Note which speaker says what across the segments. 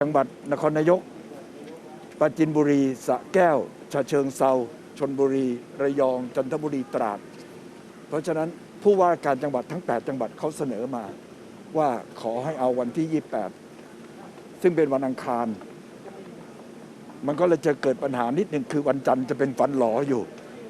Speaker 1: จังหวัดนครนายกปราจีนบุรีสระแก้วฉะเชิงเทราชลบุรีระยองจันทบุรีตราดเพราะฉะนั้นผู้ว่าการจังหวัดทั้ง8จังหวัดเขาเสนอมาว่าขอให้เอาวันที่28ซึ่งเป็นวันอังคารมันก็เลยจะเกิดปัญหานิดหนึ่งคือวันจันทร์จะเป็นฟันหลออยู่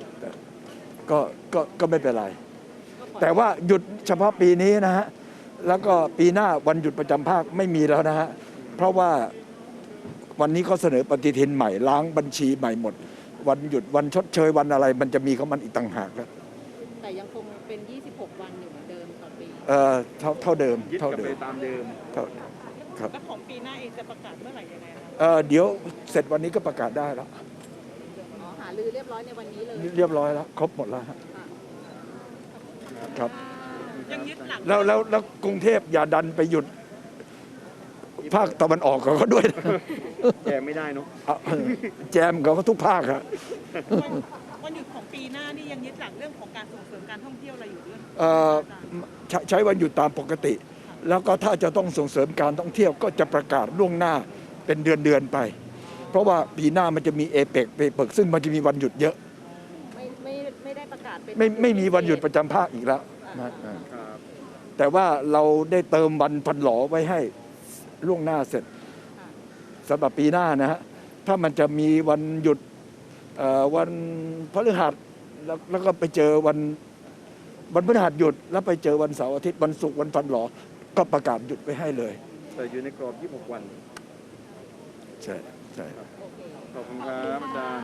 Speaker 1: ก็ไม่เป็นไรแต่ว่าหยุดเฉพาะปีนี้นะฮะแล้วก็ปีหน้าวันหยุดประจำภาคไม่มีแล้วนะฮะเพราะว่าวันนี้เขาเสนอปฏิทินใหม่ล้างบัญชีใหม่หมดวันหยุดวันชดเชยวันอะไรมันจะมีของมันอีกต่างหากแล้ว
Speaker 2: แต่ยังคงเป็น26วันอยู่เหมือนเดิมต่อปี
Speaker 1: เท่าเดิม
Speaker 3: ยึดกลับไปตามเดิม
Speaker 1: ครับ
Speaker 2: แล้วของปีหน้าเองจะประกาศเมื่อไหร่ยังไงครับ
Speaker 1: เดี๋ยวเสร็จวันนี้ก็ประกาศได้แล้ว
Speaker 2: หารือเรียบร้อยในวันนี้เลย
Speaker 1: เรียบร้อยแล้วครบหมดแล้วครับ
Speaker 2: ยังยึดหลัก
Speaker 1: แล้วกรุงเทพอย่าดันไปหยุดภาคตะวันออกเขาด้วย
Speaker 3: แจมไม่ได้เนาะ
Speaker 1: แจมเขาทุกภาคครับ
Speaker 2: วันหยุดของปีหน้านี่ยังยึดหลักเรื่องของการส่งเสริมการท่องเที่ยวอะไรอยู่ด้วย
Speaker 1: ใช้วันหยุดตามปกติแล้วก็ถ้าจะต้องส่งเสริมการท่องเที่ยวก็จะประกาศล่วงหน้าเป็นเดือนไปเพราะว่าปีหน้ามันจะมีเอเปกซึ่งมันจะมีวันหยุดเยอะ
Speaker 2: ไม่ได้ประกาศเป็น
Speaker 1: ไม่มีวันหยุดประจำภาคอีกแล้วนะแต่ว่าเราได้เติมวันพันหลอไว้ให้ล่วงหน้าเสร็จสำหรับปีหน้านะฮะถ้ามันจะมีวันหยุดวันพฤหัสแล้วก็ไปเจอวันพฤหัสหยุดแล้วไปเจอวันเสาร์อาทิตย์วันศุกร์วันพันหลอก็ประกาศหยุดไว้ให้เลย
Speaker 3: แต่อยู่ในกรอบ26 วัน
Speaker 1: ใช่
Speaker 3: ขอบคุณครับอาจารย์